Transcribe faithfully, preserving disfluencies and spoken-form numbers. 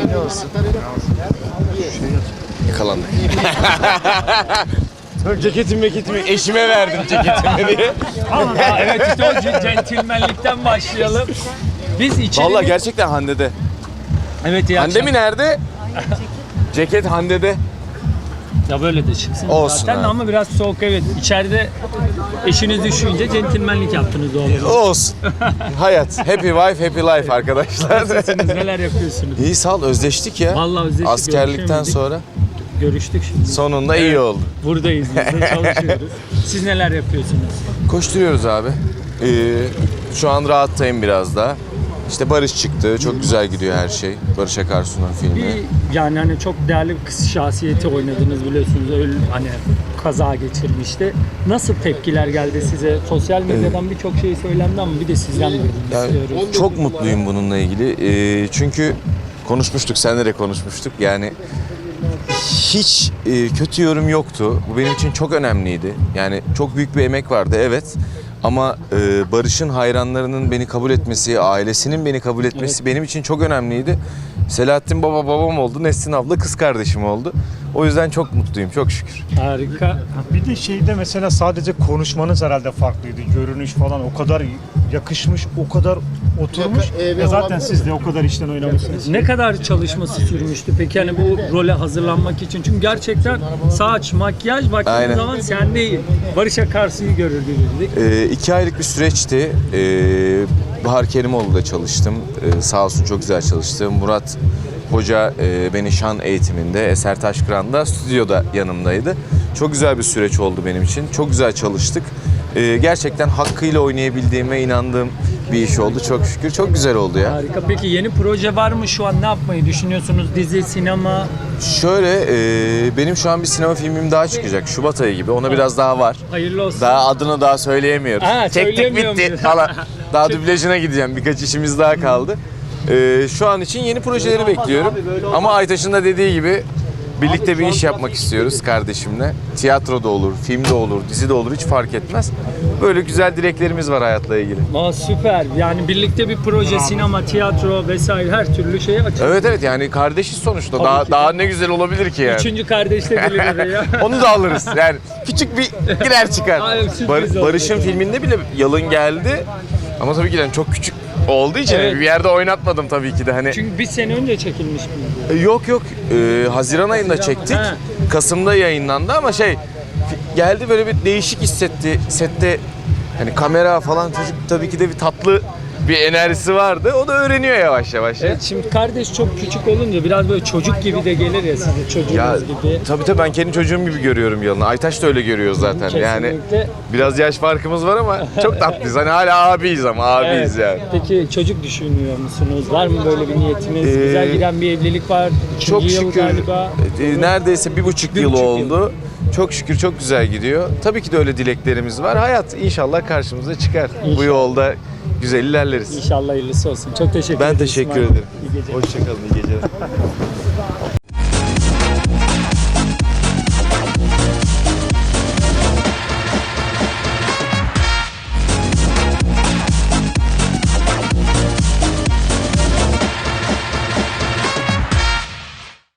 Ne olsun? Yakalandık. Ceketimi meketimi eşime verdim ceketimi diye. Ama evet işte o centilmenlikten başlayalım. Biz içeri... Vallahi gerçekten Hande'de. Evet iyi Hande mi nerede? Ceket Hande'de. Ya böyle de çıksın Olsun zaten abi. ama biraz soğuk evet. İçeride eşiniz düşünce centilmenlik yaptınız doğru. Olsun. Hayat. Happy wife, happy life arkadaşlar. Nasılsınız, neler yapıyorsunuz? İyi sağ ol, özleştik ya. Vallahi özleştik, Askerlikten görüşemedik. sonra Görüştük şimdi. sonunda iyi oldu. Buradayız biz de çalışıyoruz. Siz neler yapıyorsunuz? Koşturuyoruz abi. Ee, şu an rahattayım biraz daha. İşte Barış çıktı. Çok güzel gidiyor her şey. Barış Akarsu'nun filmi. Bir yani hani çok değerli bir kız şahsiyeti oynadınız biliyorsunuz. Öyle hani kaza geçirmişti. Nasıl tepkiler geldi size? Sosyal medyadan birçok şey söylendi ama bir de sizden duymak Yani istiyoruz. çok mutluyum bununla ilgili. Ee, çünkü konuşmuştuk, seninle de konuşmuştuk. Yani hiç e, kötü yorum yoktu. Bu benim için çok önemliydi. Yani çok büyük bir emek vardı, evet. Ama e, Barış'ın hayranlarının beni kabul etmesi, ailesinin beni kabul etmesi Evet. benim için çok önemliydi. Selahattin baba babam oldu, Nesrin abla kız kardeşim oldu. O yüzden çok mutluyum, çok şükür. Harika. Bir de şeyde mesela sadece konuşmanız herhalde farklıydı. Görünüş falan o kadar yakışmış, o kadar oturmuş. Ya zaten siz de o kadar işten oynamışsınız. Ne kadar çalışması sürmüştü peki hani bu role hazırlanmak için? Çünkü gerçekten saç, makyaj baktığımız Aynen. zaman sen değil. Barış Akarsu'yu görürdük. E, iki aylık bir süreçti. E, Bahar Kerimoğlu'da çalıştım. E, sağ olsun çok güzel çalıştı. Murat Hoca e, beni şan eğitiminde, Eser Taşkıran'da, stüdyoda yanımdaydı. Çok güzel bir süreç oldu benim için. Çok güzel çalıştık. E, gerçekten hakkıyla oynayabildiğime inandığım bir iş oldu çok şükür. Çok güzel oldu ya. Harika. Peki yeni proje var mı şu an? Ne yapmayı düşünüyorsunuz? Dizi, sinema? Şöyle, e, benim şu an bir sinema filmim daha çıkacak. Şubat ayı gibi. Ona biraz daha var. Hayırlı olsun. Daha adını daha söyleyemiyoruz. Ha, Çektik söyleyemiyor bitti muyuz? falan. Daha dublajına gideceğim. Birkaç işimiz daha kaldı. Ee, şu an için yeni projeleri bekliyorum. Ama Aytaş'ın da dediği gibi birlikte bir iş yapmak istiyoruz kardeşimle. Tiyatro da olur, film de olur, dizi de olur hiç fark etmez. Böyle güzel dileklerimiz var hayatla ilgili. Aa, süper. Yani birlikte bir proje, sinema, tiyatro vesaire her türlü şeye açık. Evet evet yani kardeşiz sonuçta. Tabii Daha ki. daha ne güzel olabilir ki yani. Üçüncü kardeş de gelir oraya. Onu da alırız. Yani küçük bir girer çıkar. Ay, sürpriz Bar- oldu. Barış'ın filminde bile yalın geldi. Ama tabii ki de çok küçük olduğu için Evet. bir yerde oynatmadım tabii ki de hani. Çünkü bir sene önce çekilmiş miydi? Yok yok. Ee, Haziran ayında çektik. Ha. Kasım'da yayınlandı ama şey fi- geldi böyle bir değişik hissetti. Sette hani kamera falan çocuk tabii ki de bir tatlı bir enerjisi vardı. O da öğreniyor yavaş yavaş. ya. Evet, şimdi kardeş çok küçük olunca biraz böyle çocuk gibi de gelir ya size çocuğunuz Ya gibi. tabii tabii ben kendi çocuğum gibi görüyorum Yalın'ı. Aytaş da öyle görüyor zaten. Yani Kesinlikle. biraz yaş farkımız var ama çok tatlıyız. Hani hala abiyiz ama abiyiz Evet. yani. Peki çocuk düşünüyor musunuz? Var mı böyle bir niyetiniz? Ee, Güzel giden bir evlilik var. Üçüncü Çok yıl şükür galiba. e, neredeyse bir buçuk Bir yıl buçuk yıl. oldu. Çok şükür çok güzel gidiyor. Tabii ki de öyle dileklerimiz var. Hayat inşallah karşımıza çıkar. Bu İnşallah. yolda güzel ilerleriz. İnşallah hayırlısı olsun. Çok teşekkür Ben ederim. teşekkür İsmail. ederim. İyi geceler. Hoşçakalın, iyi geceler.